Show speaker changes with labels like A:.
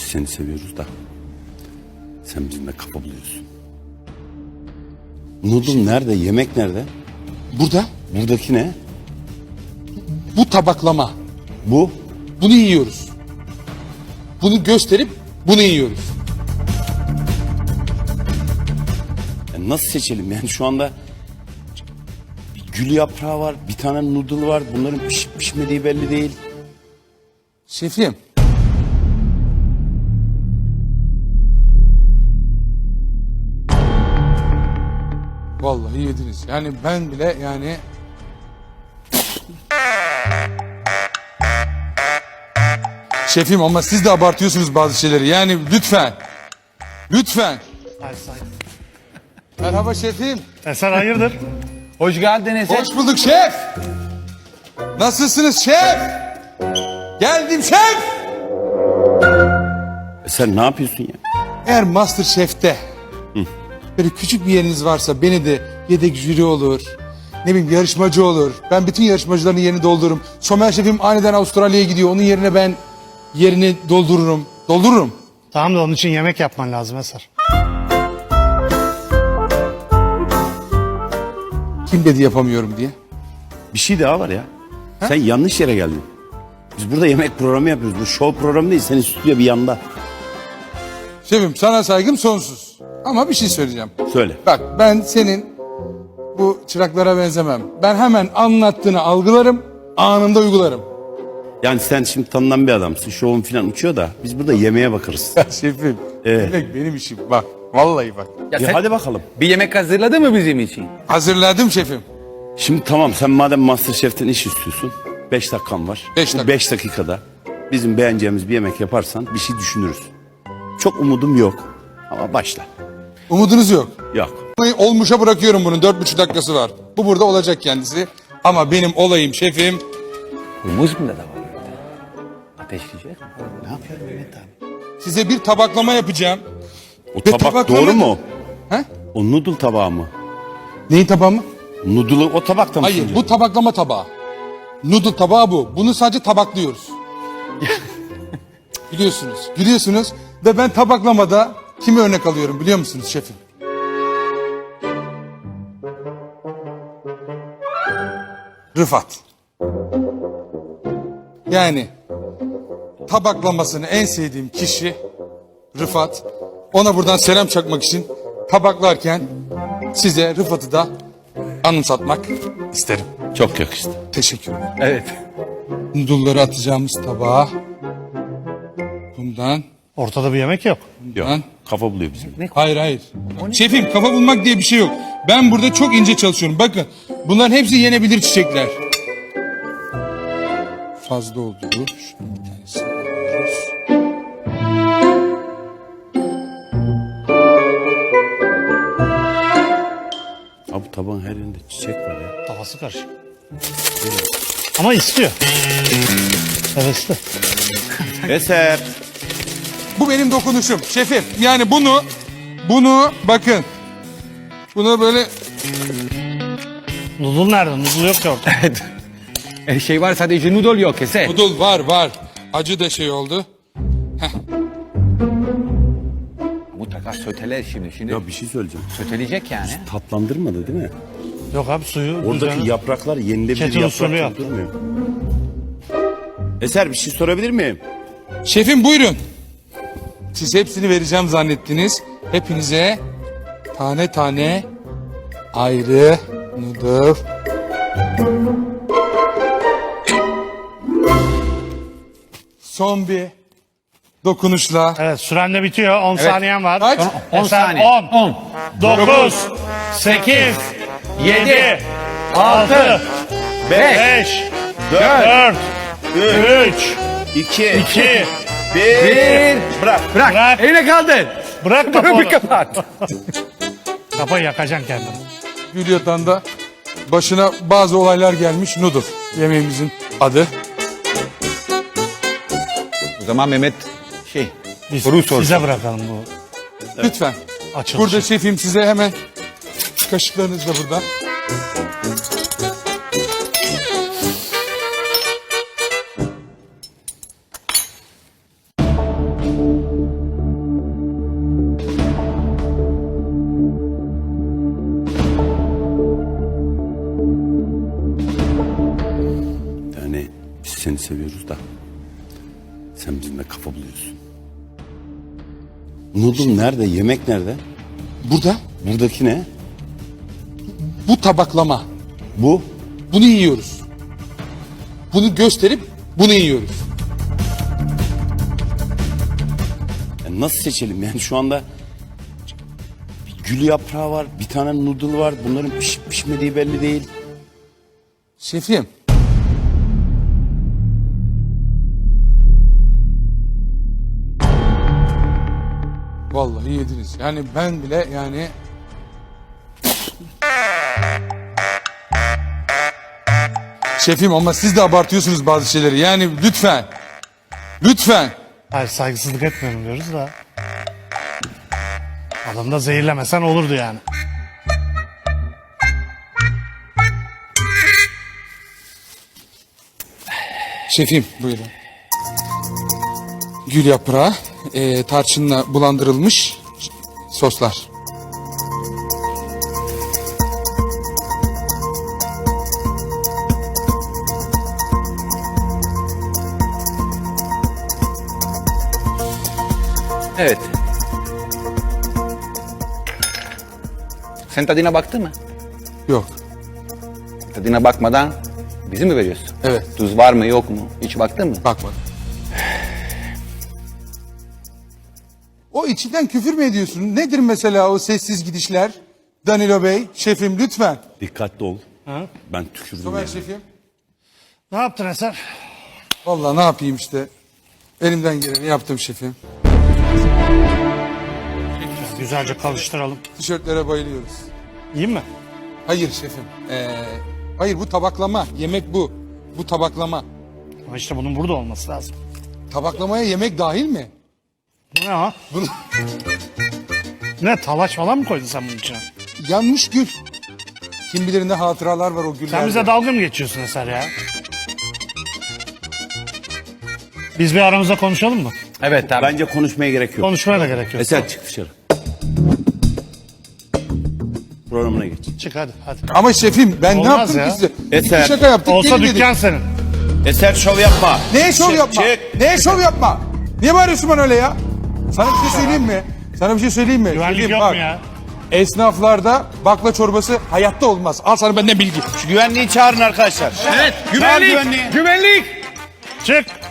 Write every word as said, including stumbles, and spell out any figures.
A: seni seviyoruz da sen bizimle kafa buluyorsun. Noodle nerede? Yemek nerede?
B: Burada
A: Buradaki ne?
B: bu tabaklama.
A: Bu?
B: Bunu yiyoruz. Bunu gösterip bunu yiyoruz.
A: Ya nasıl seçelim yani şu anda bir gül yaprağı var, bir tane noodle var. Bunların pişip pişmediği belli değil.
B: Şefim. Vallahi yediniz. Yani ben bile yani... Şefim ama siz de abartıyorsunuz bazı şeyleri. Yani lütfen. Lütfen. Merhaba şefim.
C: Eser hayırdır?
D: Hoş geldiniz.
B: Hoş bulduk şef. Nasılsınız şef? Geldim şef.
A: E sen ne yapıyorsun ya?
B: Eğer MasterChef'te böyle küçük bir yeriniz varsa beni de yedek jüri olur. Ne bileyim yarışmacı olur. Ben bütün yarışmacıların yerini doldururum. Somer şefim aniden Avustralya'ya gidiyor. Onun yerine ben yerini doldururum. Doldururum.
C: Tamam da onun için yemek yapman lazım Eser.
B: Kim dedi yapamıyorum diye.
A: Bir şey daha var ya. Sen yanlış yere geldin. Biz burada yemek programı yapıyoruz. Bu show programı değil. Senin stüdyo bir yanda.
B: Şefim sana saygım sonsuz. Ama bir şey söyleyeceğim.
A: Söyle.
B: Bak ben senin bu çıraklara benzemem. Ben hemen anlattığını algılarım, anında uygularım.
A: Yani sen şimdi tanınan bir adamsın. Şovun falan uçuyor da biz burada yemeğe bakarız.
B: Şefim,
A: Evet.
B: yemek benim işim. Bak, vallahi bak.
D: Ya
A: Ya
D: sen
A: hadi bakalım.
D: bir yemek hazırladı mı bizim için?
B: Hazırladım şefim.
A: Şimdi tamam sen madem MasterChef'ten iş istiyorsun. Beş dakikan var.
B: Beş dakika.
A: Beş dakikada bizim beğeneceğimiz bir yemek yaparsan bir şey düşünürüz. Çok umudum yok. Ama başla.
B: Umudunuz yok.
A: Yok.
B: Olmuşa bırakıyorum bunun. Dört buçuk dakikası var. Bu burada olacak kendisi. Ama benim olayım şefim.
D: Humus mu da var orada? Ateşleyecek mi? Ne yapıyor Mehmet abi?
B: Size bir tabaklama yapacağım.
A: O
B: Ve
A: tabak
B: tabaklama-
A: doğru mu?
B: He?
A: O noodle tabağı mı?
B: Neyin tabağı mı?
A: Noodle'ı o tabakta mı?
B: Hayır,
A: sunuyor?
B: bu tabaklama tabağı. Noodle tabağı bu. Bunu sadece tabaklıyoruz. Biliyorsunuz, biliyorsunuz. Ve ben tabaklamada kimi örnek alıyorum biliyor musunuz şefim? Rıfat. Yani tabaklamasını en sevdiğim kişi Rıfat. Ona buradan selam çakmak için tabaklarken size Rıfat'ı da anımsatmak isterim.
A: Çok yakıştı.
B: Teşekkür ederim.
D: Evet.
B: Noodle'ları atacağımız tabağa bundan,
C: Ortada bir yemek yok.
A: Yok.
B: bundan.
A: Kafa buluyor bizim.
B: Hayır hayır. Şefim kafa bulmak diye bir şey yok. Ben burada çok ince çalışıyorum. Bakın bunların hepsi yenebilir çiçekler. Fazla oldu bu. Şunu bir tanesini alıyoruz.
A: Abi tabağın her yerinde çiçek var ya.
C: Kafası karışık. Ama istiyor. Hevesli.
A: Eser.
B: Bu benim dokunuşum şefim. Yani bunu, bunu bakın. Bunu böyle
C: Noodle nerede? Noodle yok ki ortada.
D: Her şey var sadece noodle yok Eser.
B: noodle var var. Acı da şey oldu.
D: Mutlaka söteler şimdi. Şimdi
A: Ya bir şey söyleyeceğim.
D: söteleyecek yani.
A: Tatlandırmadı değil mi?
C: Yok abi suyu.
A: Oradaki
C: düzenli.
A: yapraklar yenilebilir
C: Kettle usulü
A: yaprak
C: yaptı.
A: durmuyor. Eser bir şey sorabilir miyim?
B: Şefim buyurun. Siz hepsini vereceğim zannettiniz. Hepinize tane tane ayrı noodle. Son bir dokunuşla.
C: Evet süren de bitiyor. on saniyen var.
B: Kaç?
C: on
D: on saniye.
C: on.
D: on.
C: dokuz. sekiz. yedi. altı. beş. dört. üç.
A: İki.
C: iki.
D: Bir.
A: Bırak.
D: Bırak.
C: Bırak.
D: Eline kaldır.
C: Bırak
D: Bir
C: kafayı.
D: kapat.
C: Kafayı yakacaksın kendini.
B: Gülyatağ'da başına bazı olaylar gelmiş noodle. Yemeğimizin adı.
D: O zaman Mehmet şey.
C: Biz
D: Soru sor.
C: size bırakalım bu.
B: Lütfen.
C: Açılışı.
B: Burada şefim size hemen kaşıklarınız da burada.
A: seni seviyoruz da sen bizimle kafa buluyorsun. Noodle nerede? Yemek nerede?
B: Burada
A: Buradaki ne?
B: bu tabaklama.
A: Bu.
B: Bunu yiyoruz. Bunu gösterip bunu yiyoruz.
A: Ya nasıl seçelim yani şu anda bir gül yaprağı var, bir tane noodle var. Bunların pişip pişmediği belli değil.
B: Şefim. Vallahi yediniz. Yani ben bile yani... Şefim ama siz de abartıyorsunuz bazı şeyleri. Yani lütfen. Lütfen.
C: Hayır saygısızlık etmiyorum diyoruz da. Adamı da zehirlemesen olurdu yani.
B: Şefim buyurun. Gül yaprağı, e, tarçınla bulandırılmış soslar.
D: Evet. Sen tadına baktın mı?
B: Yok.
D: Tadına bakmadan bizi mi veriyorsun?
B: Evet.
D: Tuz var mı yok mu? Hiç baktın mı?
B: Bakmadım. O içinden küfür mü ediyorsun? Nedir mesela o sessiz gidişler? Danilo Bey, şefim lütfen.
A: Dikkatli ol. Ben tükürdüm.
B: Somer
A: yani.
B: şefim.
C: Ne yaptın Eser?
B: Vallahi ne yapayım işte. Elimden geleni yaptım şefim.
C: Güzelce karıştıralım.
B: Tişörtlere bayılıyoruz.
C: İyi mi?
B: Hayır şefim. Ee, hayır bu tabaklama. Yemek bu. Bu tabaklama.
C: Ama işte bunun burada olması lazım.
B: Tabaklamaya yemek dahil mi?
C: Bu ne ha?
B: Bunu...
C: Ne talaş falan mı koydun sen bunun içine?
B: Yanmış gül. Kim bilir ne hatıralar var o güllerde.
C: Sen bize dalga mı geçiyorsun Eser ya? Biz bir aramızda konuşalım mı?
D: Evet abi.
A: Bence konuşmaya gerek yok.
C: Konuşmaya da gerek yok.
A: Eser çık dışarı. Programına geç.
C: Çık hadi hadi.
B: Ama şefim ben ne
C: Olmaz
B: yaptım
C: ya.
B: ki size?
A: Eser.
B: Bir şaka yaptık.
C: Olsa
B: gelin dedik.
C: dükkan senin.
A: Eser şov yapma.
B: Neye şov
A: Çık,
B: yapma?
A: çık.
B: Neye şov yapma? Niye bağırıyorsun bana öyle ya? Sana bir şey söyleyeyim mi? Sana bir şey söyleyeyim mi?
C: Güvenlik
B: Şefim,
C: yok
B: bak,
C: mu ya?
B: Esnaflarda bakla çorbası hayatta olmaz. Al sana benden bilgi.
A: Şu güvenliği çağırın arkadaşlar.
D: Evet.
A: Güvenlik. Güvenliği.
D: Güvenlik.
C: Çık.